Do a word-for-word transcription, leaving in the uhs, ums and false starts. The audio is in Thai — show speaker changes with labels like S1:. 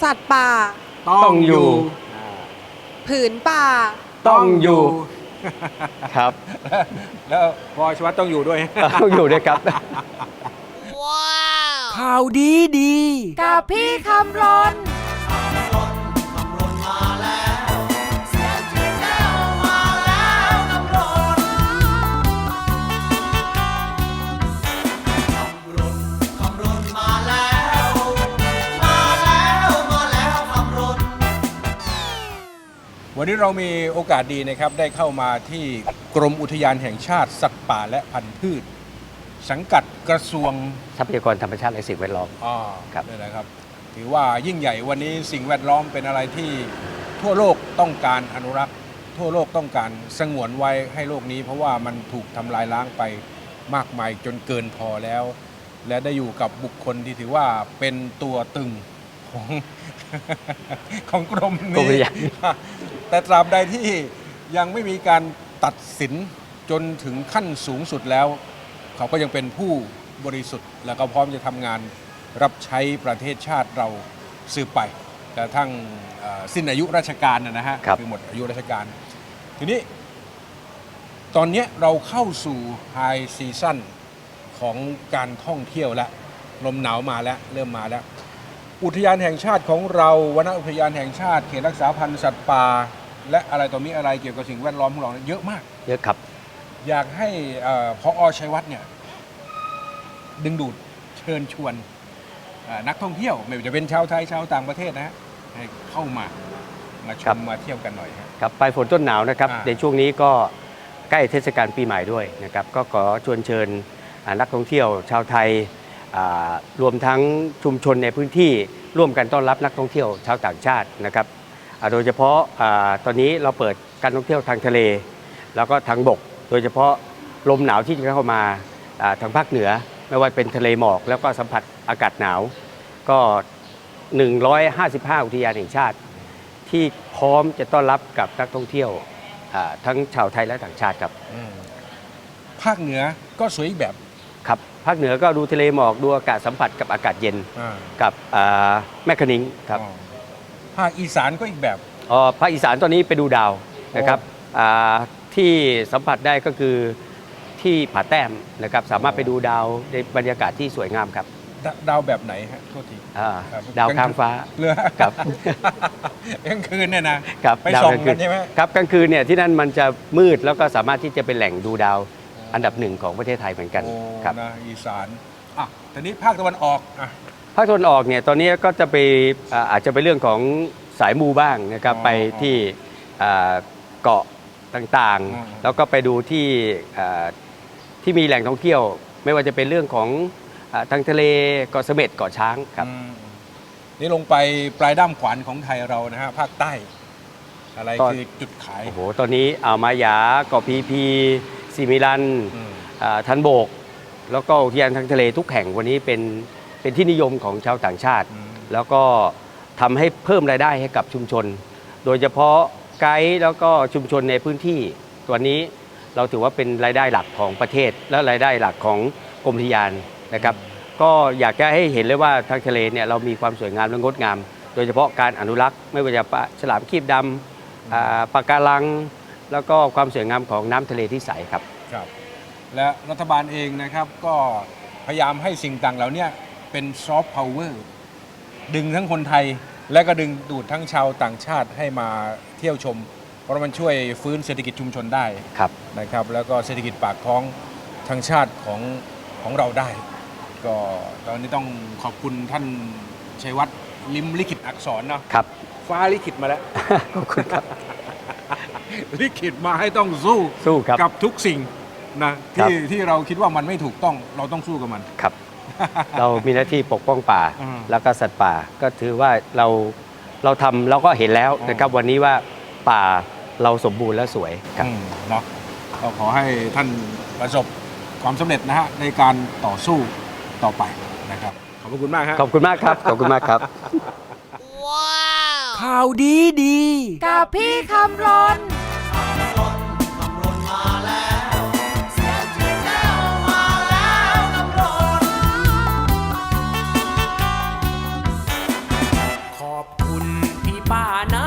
S1: สัตว์ป่า
S2: ต้องอยู่
S1: ผืนป่า
S2: ต้องอยู่ครับ
S3: แล้วพอชวัตต้องอยู่ด้วย
S2: ต้องอยู่ด้วยครับ
S4: ข่าวดีดี
S1: กับพี่คำรน
S3: วันนี้เรามีโอกาสดีนะครับได้เข้ามาที่กรมอุทยานแห่งชาติสัตว์ป่าและพันธุ์พืชสังกัดกระทรวง
S2: ทรัพยากรธรรมชาติและสิ่งแวดล้อม
S3: อ๋อ
S2: ครับ
S3: นี่นะครับถือว่ายิ่งใหญ่วันนี้สิ่งแวดล้อมเป็นอะไรที่ทั่วโลกต้องการอนุรักษ์ทั่วโลกต้องการสงวนไว้ให้โลกนี้เพราะว่ามันถูกทำลายล้างไปมากมายจนเกินพอแล้ว และได้อยู่กับบุคคลที่ถือว่าเป็นตัวตึงของ ของกรมนี้แต่ตราบใดที่ยังไม่มีการตัดสินจนถึงขั้นสูงสุดแล้วเขาก็ยังเป็นผู้บริสุทธิ์และก็พร้อมจะทำงานรับใช้ประเทศชาติเราสืบไปแต่ทั้งสิ้นอายุราชการนะฮะคือหมดอายุราชการทีนี้ตอนนี้เราเข้าสู่ไฮซีซั่นของการท่องเที่ยวแล้วลมหนาวมาแล้วเริ่มมาแล้วอุทยานแห่งชาติของเราวนอุทยานแห่งชาติเขตรักษาพันธุ์สัตว์ป่าและอะไรต่อมีอะไรเกี่ยวกับสิ่งแวดล้อมของเราเยอะมาก
S2: เยอะครับ
S3: อยากให้พอชัยวัฒน์เนี่ยดึงดูดเชิญชวนนักท่องเที่ยวไม่ว่าจะเป็นชาวไทยชาวต่างประเทศนะฮะให้เข้ามามาชมมาเที่ยวกันหน่อย
S2: ครับปลายฝนต้นหนาวนะครับในช่วงนี้ก็ใกล้เทศกาลปีใหม่ด้วยนะครับก็ขอชวนเชิญนักท่องเที่ยวชาวไทยรวมทั้งชุมชนในพื้นที่ร่วมกันต้อนรับนักท่องเที่ยวชาวต่างชาตินะครับโดยเฉพาะตอนนี้เราเปิดการท่องเที่ยวทางทะเลแล้วก็ทางบกโดยเฉพาะลมหนาวที่จะเข้ามาทางภาคเหนือไม่ว่าเป็นทะเลหมอกแล้วก็สัมผัสอากาศหนาวก็หนึ่งร้อยห้าสิบห้าอุทยานแห่งชาติที่พร้อมจะต้อนรับกับนักท่องเที่ยวทั้งชาวไทยและต่างชาติครับ
S3: ภาคเหนือก็สวยอีกแบบ
S2: ครับภาคเหนือก็ดูทะเลหมอกดูอากาศสัมผัสกับอากาศเย็นกับแม่คะนิงครับ
S3: ภาคอีสานก็อีกแบบ
S2: อ๋อภาคอีสานตอนนี้ไปดูดาวนะครับที่สัมผัสได้ก็คือที่ผาแต้มนะครับสามารถไปดูดาวในบรรยากาศที่สวยงามครับ
S3: ดาวแบบไหนฮะโทษที
S2: ดาวข้างฟ้า
S3: เรือ
S2: ครับ
S3: กลางคืนเนี่ยนะครับไปส่องกันใช่ไหม
S2: ครับกลางคืนเนี่ยที่นั่นมันจะมืดแล้วก็สามารถที่จะเป็นแหล่งดูดาวอันดับหนึ่งของประเทศไทยเหมือนกัน
S3: ครับอีสานอ่ะทีนี้ภาคตะวันออกอ่ะ
S2: ภาคตะวันออกเนี่ยตอนนี้ก็จะไปอาจจะเป็นเรื่องของสายมูบ้างนะครับไปที่เกาะต่างๆแล้วก็ไปดูที่ที่มีแหล่งท่องเที่ยวไม่ว่าจะเป็นเรื่องของทางทะเลเกาะเสม็ดเกาะช้างครับ
S3: นี่ลงไปปลายด้ามขวานของไทยเรานะฮะภาคใต้อะไรคือจุดขาย
S2: โอ้โหตอนนี้อ่าวมายาเกาะพีพีสิมิลันทันโบกแล้วก็อุทยานทางทะเลทุกแห่งวันนี้เป็นเป็นที่นิยมของชาวต่างชาติแล้วก็ทำให้เพิ่มรายได้ให้กับชุมชนโดยเฉพาะไกด์แล้วก็ชุมชนในพื้นที่ตัวนี้เราถือว่าเป็นรายได้หลักของประเทศและรายได้หลักของกรมอุทยานนะครับก็อยากจะให้เห็นเลยว่าทางทะเลเนี่ยเรามีความสวยงามและงดงามโดยเฉพาะการอนุรักษ์ไม่ว่าจะปลาฉลามครีบดำปะการังแล้วก็ความสวยงามของน้ำทะเลที่ใสครับ
S3: ครับและรัฐบาลเองนะครับก็พยายามให้สิ่งต่างเหล่านี้เป็นซอฟต์พาวเวอร์ดึงทั้งคนไทยและก็ดึงดูดทั้งชาวต่างชาติให้มาเที่ยวชมเพราะมันช่วยฟื้นเศรษฐกิจชุมชนได้นะครับแล้วก็เศรษฐกิจปากท้องทางชาติของของเราได้ก็ตอนนี้ต้องขอบคุณท่านชัยวัฒน์ลิ้มลิขิตอักษรเนาะ
S2: ครับ
S3: ฟ้าลิขิตมาแล้ว
S2: ขอบคุณครับ
S3: ลิขิตมาให้ต้องสู้
S2: สู้ครับ
S3: กับทุกสิ่งนะที่ที่เราคิดว่ามันไม่ถูกต้องเราต้องสู้กับมัน
S2: ครับเรามีหน้าที่ปกป้องป่าแล้วก็สัตว์ป่าก็ถือว่าเราเราทำเราก็เห็นแล้วนะครับวันนี้ว่าป่าเราสมบูรณ์และสวยครับ
S3: เนาะก็ขอให้ท่านประสบความสำเร็จนะฮะในการต่อสู้ต่อไปนะครับขอบคุณมากครับ
S2: ขอบคุณมากครับขอบคุณมากครับ
S4: ข่าวดีดี
S1: กับพี่คำรน
S4: ขอบป่าใน